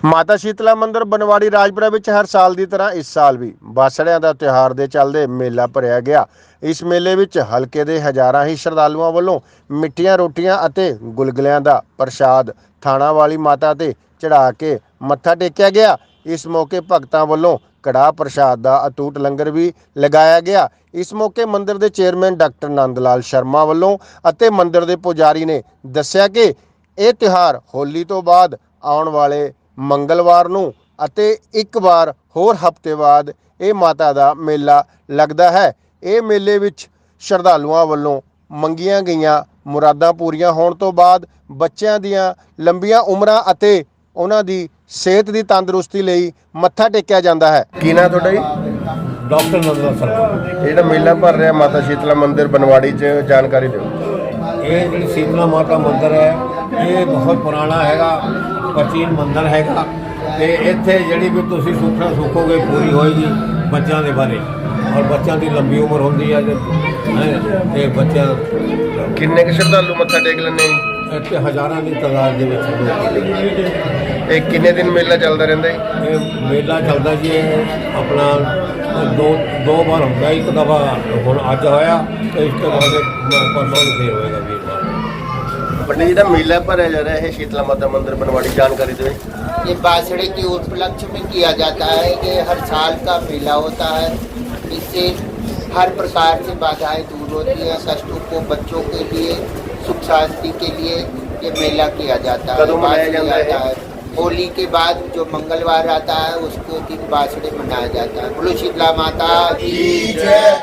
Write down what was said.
ਮਾਤਾ ਸ਼ੀਤਲਾ ਮੰਦਿਰ ਬਨਵਾੜੀ ਰਾਜਪੁਰਾ ਵਿੱਚ ਹਰ ਸਾਲ ਦੀ ਤਰ੍ਹਾਂ ਇਸ ਸਾਲ ਵੀ ਬਾਸੜਿਆਂ ਦਾ ਤਿਉਹਾਰ ਦੇ ਚੱਲਦੇ ਮੇਲਾ ਭਰਿਆ ਗਿਆ। ਇਸ ਮੇਲੇ ਵਿੱਚ ਹਲਕੇ ਦੇ ਹਜ਼ਾਰਾਂ ਹੀ ਸ਼ਰਧਾਲੂਆਂ ਵੱਲੋਂ ਮਿੱਠੀਆਂ ਰੋਟੀਆਂ ਅਤੇ ਗੁਲਗੁਲਿਆਂ ਦਾ ਪ੍ਰਸ਼ਾਦ ਥਾਣਾ ਵਾਲੀ ਮਾਤਾ ਤੇ ਚੜਾ ਕੇ ਮੱਥਾ ਟੇਕਿਆ ਗਿਆ। ਇਸ ਮੌਕੇ ਭਗਤਾਂ ਵੱਲੋਂ ਕੜਾਹ ਪ੍ਰਸ਼ਾਦ ਦਾ ਅਟੁੱਟ ਲੰਗਰ ਵੀ ਲਗਾਇਆ ਗਿਆ। ਇਸ ਮੌਕੇ ਮੰਦਿਰ ਦੇ ਚੇਅਰਮੈਨ ਡਾਕਟਰ ਨੰਦ ਲਾਲ ਸ਼ਰਮਾ ਵੱਲੋਂ ਅਤੇ ਮੰਦਿਰ ਦੇ ਪੁਜਾਰੀ ਨੇ ਦੱਸਿਆ ਕਿ ਇਹ ਤਿਉਹਾਰ ਹੋਲੀ ਤੋਂ ਬਾਅਦ ਆਉਣ ਵਾਲੇ ਮੰਗਲਵਾਰ ਨੂੰ ਅਤੇ ਇੱਕ ਵਾਰ ਹੋਰ ਹਫ਼ਤੇ ਬਾਅਦ ਇਹ ਮਾਤਾ ਦਾ ਮੇਲਾ ਲੱਗਦਾ ਹੈ। ਇਹ ਮੇਲੇ ਵਿੱਚ ਸ਼ਰਧਾਲੂਆਂ ਵੱਲੋਂ ਮੰਗੀਆਂ ਗਈਆਂ ਮੁਰਾਦਾਂ ਪੂਰੀਆਂ ਹੋਣ ਤੋਂ ਬਾਅਦ ਬੱਚਿਆਂ ਦੀਆਂ ਲੰਬੀਆਂ ਉਮਰਾਂ ਅਤੇ ਉਹਨਾਂ ਦੀ ਸਿਹਤ ਦੀ ਤੰਦਰੁਸਤੀ ਲਈ ਮੱਥਾ ਟੇਕਿਆ ਜਾਂਦਾ ਹੈ। ਕੀ ਨਾਂ ਤੁਹਾਡਾ ਜੀ? ਡਾਕਟਰ ਨੰਦ ਲਾਲ ਸ਼ਰਮਾ। ਜਿਹੜਾ ਮੇਲਾ ਭਰ ਰਿਹਾ ਮਾਤਾ ਸ਼ੀਤਲਾ ਮੰਦਿਰ ਬਨਵਾੜੀ 'ਚ ਜਾਣਕਾਰੀ ਦਿਓ। ਇਹ ਜਿਹੜੀ ਸ਼ੀਤਲਾ ਮਾਤਾ ਮੰਦਿਰ ਹੈ ਇਹ ਬਹੁਤ ਪੁਰਾਣਾ ਹੈਗਾ, ਪ੍ਰਾਚੀਨ ਮੰਦਿਰ ਹੈਗਾ ਤੇ ਇੱਥੇ ਜਿਹੜੀ ਵੀ ਤੁਸੀਂ ਸੁੱਖਣਾ ਸੁੱਖੋਗੇ ਪੂਰੀ ਹੋਏਗੀ ਬੱਚਿਆਂ ਦੇ ਬਾਰੇ, ਔਰ ਬੱਚਿਆਂ ਦੀ ਲੰਬੀ ਉਮਰ ਹੁੰਦੀ ਹੈ ਤੇ ਬੱਚਿਆਂ ਕਿੰਨੇ ਕੁ ਸ਼ਰਧਾਲੂ ਮੱਥਾ ਟੇਕ ਲੈਂਦੇ ਜੀ? ਇੱਥੇ ਹਜ਼ਾਰਾਂ ਦੀ ਤਾਦਾਦ ਦੇ ਵਿੱਚ ਲੋਕ। ਇਹ ਕਿੰਨੇ ਦਿਨ ਮੇਲਾ ਚੱਲਦਾ ਰਹਿੰਦਾ ਜੀ? ਇਹ ਮੇਲਾ ਚੱਲਦਾ ਜੀ, ਇਹ ਆਪਣਾ ਦੋ ਵਾਰ ਹੁੰਦਾ, ਇੱਕ ਦਫਾ ਹੁਣ ਅੱਜ ਹੋਇਆ ਤੇ ਇਸ ਤੋਂ ਬਾਅਦ ਪਰਸੋਂ ਨੂੰ ਫੇਰ ਹੋਏਗਾ ਵੀਰਵਾਰ। बड़े जी मेला भरया जा रहा है शीतला माता मंदिर बनवाड़ी, जानकारी दें। ये बासड़े के उपलक्ष्य में किया जाता है कि हर साल का मेला होता है। इससे हर प्रकार से बाधाएं दूर होती हैं, कष्टों को बच्चों के लिए, सुख शांति के लिए ये मेला किया जाता है। कदों मनाया जाता है? होली के बाद जो मंगलवार आता है उसको दिन बासड़े मनाया जाता है। बोलो शीतला माता की जय।